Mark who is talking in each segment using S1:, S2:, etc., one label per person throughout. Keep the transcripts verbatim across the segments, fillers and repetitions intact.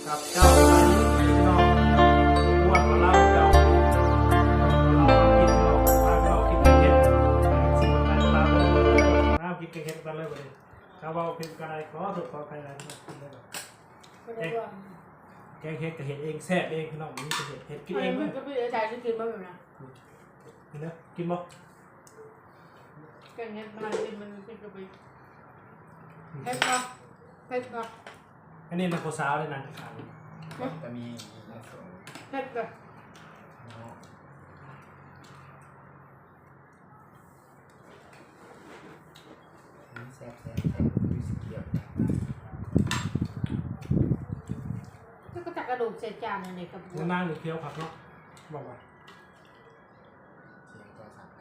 S1: กับเจ้าไปพี่น้องอ้วนมาเล่าเจ้าเราคิดเราพาเราคิดเห็นสิ่งต่างๆเราคิดเห็นกันเลยวันนี้ชาวบ้านพิมพ์กันอะไรขอสุดขอใครอะไรกินได้แบบแกงเห็ดกับเห็ดเองแซ่บเองพี่น้องนี่จะเห็ดเห็ดกินเองมั้ย
S2: ก็ไม่ได้ใจจะกินบ้างนะ
S1: กินนะกินบ่
S2: แกงเห็ดมากินมันกินกับไปเผ็ดปะเผ็ดปะ
S1: อันนี้มันโคซาวเลยนะขาว
S3: จะมี
S2: เผ็ดปะ
S3: แซ่บแซ่บแซ่บดูสีเขียว
S2: ก็ตักกระดูกเศษจานในกระปุก
S1: นั่งหรือเคี้ยวผักเนาะบอกว่า
S3: เสียงก็สั่ง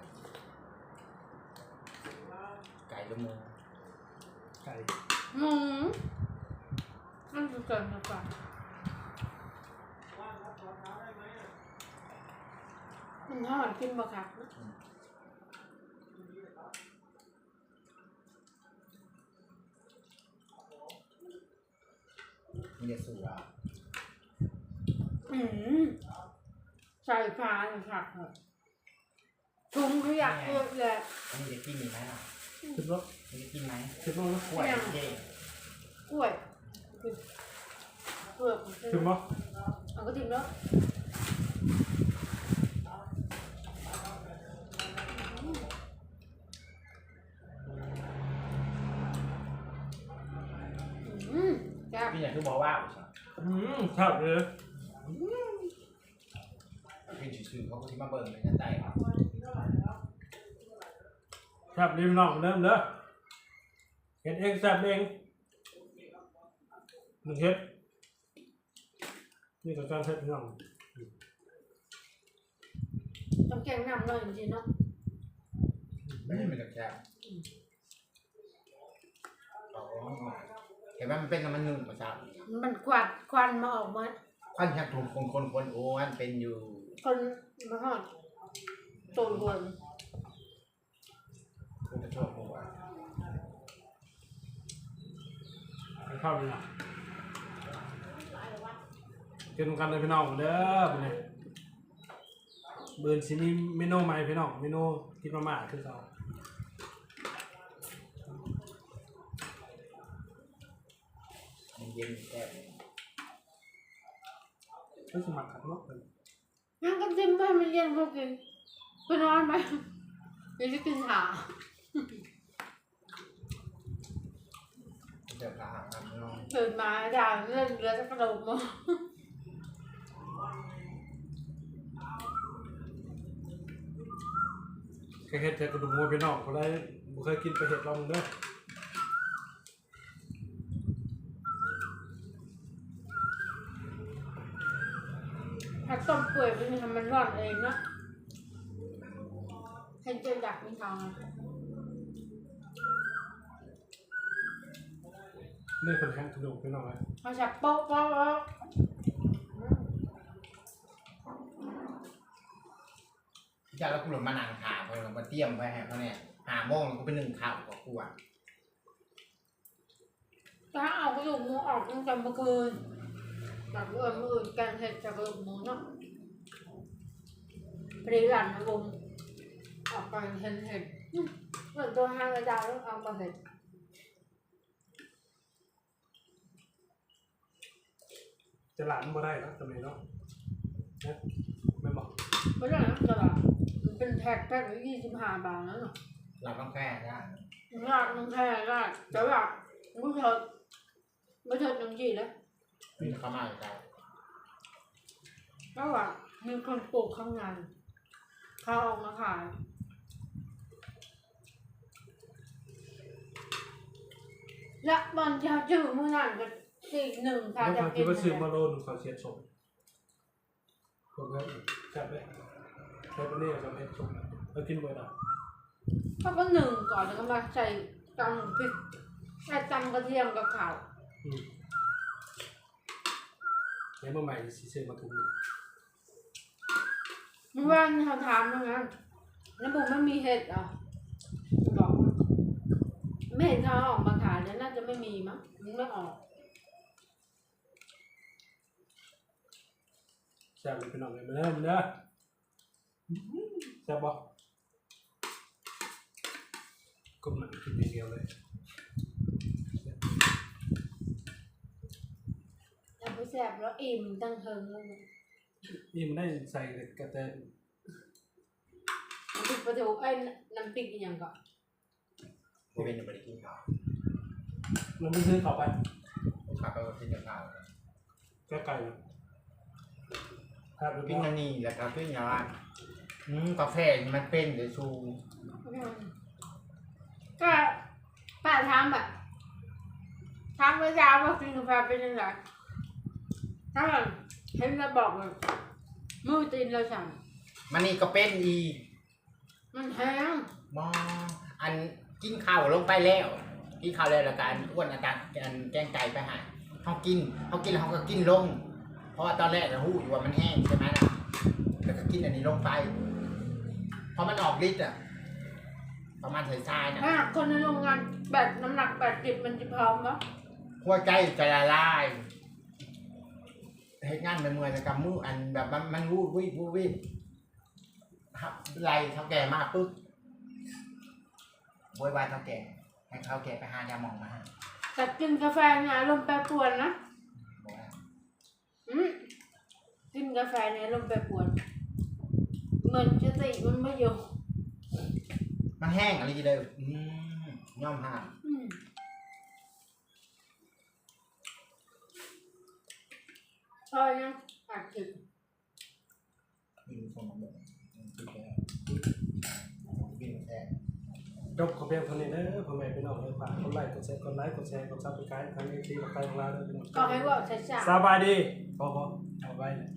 S3: ไก่ละมู
S1: ไก่
S2: หมูนั่นคือเกินมากกว่ามันทอดกินบ่ครับ
S3: มีเด็ดสูอ่ะ
S2: อืมใส่ปลาเลยครับถุงเขาอยากเยอะเลย
S3: อันนี้จะกินมีไหมล่ะ
S1: คิดว่า
S3: จะกินไหม
S1: คิดว่า
S3: กล้วยเย่
S2: กล้วยเปลือก
S1: คิดว่า
S2: เอาก็ทิ้งแล้วอืมจ้า
S3: พี่อยากคือบอกว่า
S1: อืมชอบเลย
S3: เป็นชื่อเขาที่มาเบิ่งในกันได้ครับ
S1: ชอบริมน้องเริ่มเด้อเห็ดเองแซ่บเองหนึ่งเห็ดนี่ก็การเห็ดน้อง
S2: ต้องแกงน้ำหน่อยจริงๆเนาะ
S3: ไม่ใช่เป็นแบบแซ่บเห็นไหมมันเป็นน้ำมันนึ่งประสาท
S2: มันควันควันมาออกมา
S3: ควันแค่ถูกคนคนคนโอ้อันเป็นอยู่
S2: คนมาทอดตูนบน
S3: คุณจะชอบผมว่า
S1: ไปเข้าเลยนะกินกันเลยพี่น้องเด้อเป็นไงเบิร์นซิมีเมนูใหม่พี่น้องเมนูกินมาม่าคือเขา
S3: เย็นแซ่บ
S1: ก็สมัครขัดนกเลย
S2: งั้นก็จิ้มไปมันเย็นพอกินไปนอนไปเดี๋ยวจะกินขา
S3: เดี๋ยวขาหักครับน้อง
S2: ตื่นมาด่าเล่นเรือจะกระโดดมา
S1: แค่เห็ดแต่กระดูกงัวพี่น้องเขาได้บุเคยกินไปเห็ดลองเด้อ
S2: ถ้าต้มเปื่อยมันทำมันร้อนเองเนาะให้เจออยากมีทาง
S1: นี่คนแข้งกระดูกพี่น้องเลย
S2: เขาจับโป๊ะโป๊ะโป๊ะ
S3: จะแล้วคุณหลงมานั่งขาเขาเรามาเตรียมไว้ให้เขาเนี่ยหาโมงเขาเป็นหนึ่งข่าวกับกูอ่ะ
S2: ถ้าเอากระดูกหมูออกตั้งแต่เมื่อคืนแบบเมื่อเมื่อแกงเห็ดจากกระดูกหมูเนาะพริหลันนะบุ้มออกไปเห็นเห็ดเหมือนตัวห้างกระดาษแล้วเอามาเห็ด
S1: จะหลานมาได้แล้วทำไมเนาะนะไม่บอก
S2: ไม่ได้นะตลาดมันเป็นแพ็คแพ็คละยี่สิบห้าบาทแล้วเนาะ
S3: เราต้องแค่ได้
S2: ลาดน้ำแค่ลาดแต่ว่าไม่เถิดไม่เถิดน้ำจีแล้ว
S3: มีเข้ามาอยู่แล้ว
S2: ก็ว่ามีคนปลูกข้างในเขาออกมาขายและบอลจะจืดมือหนังกันสี่หนึ่งค่ะ
S1: จะกินว่าซื้อมาโลนึงเขาเสียส่งผมก็จับไปใช้ปนี่กับเห็ดส่งเรากินบ่อยนะ
S2: เขาก็หนึ่งก่อนแล้วก็มาใส่ตำพริกใส่ตำกระเทียมกับข้าว
S1: แล้วเมื่อใหม่ซีเซอร์มาทุกนี้
S2: เมื่อวานเขาถามนะงั้นแล้วบุ๋มไม่มีเห็ดอ่ะบอกไม่เห็นเขาออกมาขายแล้วน่าจะไม่มีมั้งมันไม่ออก
S1: แซ่บเลยพี่น้องเลยมาเด้อมาเด้อแซ่บบ่ก้มหนังกินอย่างเดียวเลย
S2: แล้วไปแซ่บแล้วอิ่มตั้งเทิงเลย
S1: นี่มันได้ใส่กระเตน
S2: น้ำพริกปลาทูไอ้น้ำพริกอีกอย่างก่อน
S3: กูเป็นยังไม่ได้กินข้าว
S1: เราไม่ซื้อเข้าไป
S3: กูขับไปกินข้าว
S1: แค่ไก่ครับ
S3: กินอันนี้แล้วก็กินอย่างว่าอืมกาแฟมันเป็นเดี๋ยวชู
S2: ก็ป้าถามแบบถามเมื่อเช้าว่ากินกาแฟเป็นยังไงถ้าแบบเห็นเราบอกเลยมือตีนเราสั่ง
S3: มันนี่ก็เป็นอีก
S2: มันแห้ง
S3: มออันกินข้าวลงไปแล้วกินข้าวแล้วแล้วการอ้วนอาการอันแกงไก่ไปหาเขากินเขากินแล้วเขาก็กินลง เพราะว่าตอนแรกเราหูอยู่ว่ามันแห้งใช่ไหมล่ะแล้วก็กินอันนี้ลงไปพอมันออกฤทธิ์อ่ะประมาณใส่ทรายนะ
S2: ถ้าคนในโรงงานแบบน้ำหนักแปดสิบมันจะพร้อมปะ
S3: หัวใจจะละลายเหตุงานเป็นมวยแต่กำมืออันแบบมันมันวูบวิบวูบวิบครับไล่เท่าแก่มากปุ๊บโวยวายเท่าแก่ให้เท่าแก่ไปหายาหมองมาให้
S2: แต่กินกาแฟเนี่ยอารมณ์แปรปรวนนะ
S3: บอกว่า
S2: อืมกินกาแฟเนี่ยอารมณ์แปรปรวนเหมือนสติมันไม่อยู่
S3: มันแห้งอะไรกี่เดียวอืมย่อมห้าม
S2: อืมพอยังอัดถึง
S3: มีคนมาบอกคิดแค่กินแค่
S1: จบขอเพียงเท่านี้เด้อพ่อแม่พี่น้องเลยฝากกดไลค์กดแชร์กดไลค์กดแชร์กดซับสไครต์ทางนี้ที่เราไปของเราเด้อพี่น้อง
S2: ก็ให้ว่าช้าๆ
S1: สบายดีพอพอเอาไว้